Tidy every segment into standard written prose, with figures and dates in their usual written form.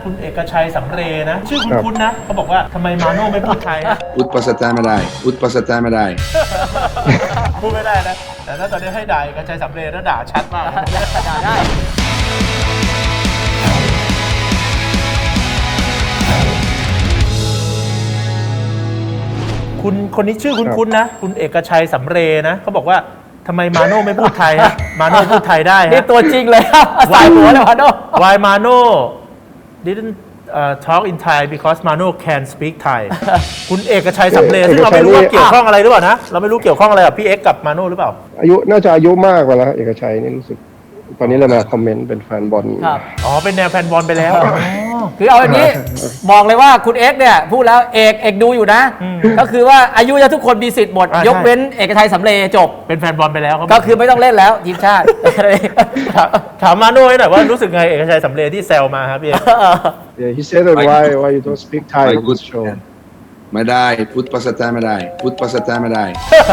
คุณเอกชัยสำเรย์นะชื่อคุ้นๆนะเขาบอกว่าทำไมมาโน่ไม่พูดไทยนะพูดภาษาใต้ไม่ได้พูดภาษาใต้ไม่ได้พูดไม่ได้นะแต่ถ้าตอนนี้ให้ด่าเอกชัยสำเรย์แล้วด่าชัดมากนะด่าได้คุณคนนี้ชื่อคุ้นๆนะคุณเอกชัยสำเรย์นะเขาบอกว่าทำไมมาโน่ไม่พูดไทยฮะมาโน่พูดไทยได้นี่ฮะตัวจริงเลยครับสายหัวเลยมาโน่ Why Mano didn't talk in Thai because Mano can speak Thai คุณเอกชัยสำเรย์ซึ่งเราไม่รู้ว่าเกี่ยวข้องอะไรหรือเปล่านะเราไม่รู้เกี่ยวข้องอะไรกับพี่เอ็กกับมาโน่หรือเปล่าน่าจะอายุมากกว่าแล้วเอกชัยนี่รู้สึกตอนนี้เลยมาคอมเมนต์เป็นแฟนบอลครับอ๋อเป็นแนวแฟนบอลไปแล้วคือเอาอย่างนี้ บอกเลยว่าคุณเอ็กซ์เนี่ยพูดแล้วเอกดูอยู่นะ ก็คือว่าอายุจะทุกคนมีสิทธิ์หมดอ่าใช่ยกเว้นเอกชัยสำเรย์จบเป็นแฟนบอลไปแล้วครับก็คือไม่ต้องเล่นแล้วทีมชาติถามมาโน่หน่อยว่ารู้สึกไงเอกชัยสำเรย์ที่แซวมาครับพี่เอ็ก Yeah, he said that why you don't speak Thai in this show ไม่ได้พูดภาษาใต้ไม่ได้พูดภาษาใต้ไม่ได้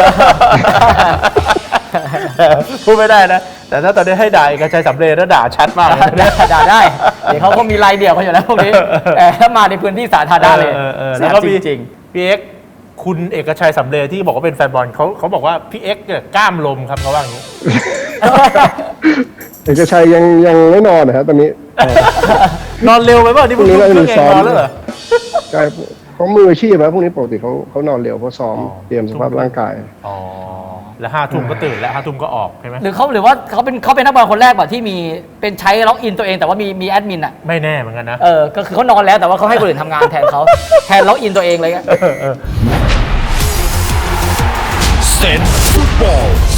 พูดไม่ได้นะแต่ถ้าตอนนี้ให้ด่าเอกชัยสำเรย์แล้วด่าชัดมากเลยนะด่าได้เดี๋ยวเขาก็มีรายเดี่ยวเขาอยู่แล้วพวกนี้แต่ถ้ามาในพื้นที่สาธารณะเลยแล้แล้ววก็ก็มีจริงพี่เอ็กคุณเอกชัยสำเรย์ที่บอกว่าเป็นแฟนบอลเขาบอกว่าพี่เอ็กเนี่ยกล้ามลมครับเขาว่าอย่างนี้เอกชัยยังไม่นอนนะฮะตอนนี้นอนเร็วไปเปล่านี่พรุ่งนี้เพิ่เรางจะเองซ้อมนอนแล้วเหรอใช่เขามืออาชีพนะพวกนี้ปกติเขานอนเร็วเขาซ้อมเตรียมสภาพร่างกายอ๋อแล้ว5 ทุ่มก็ตื่นแล้ว5 ทุ่มก็ออกใช่ไหมหรือว่าเขาเป็นนักบอลคนแรกแบบที่มีเป็นใช้ล็อกอินตัวเองแต่ว่ามีแอดมินอ่ะไม่แน่เหมือนกันนะก็คือเขานอนแล้วแต่ว่าเขาให้คนอื่นทำงานแทนเขาแทนล็อกอินตัวเองเลยอะเออ Sense Football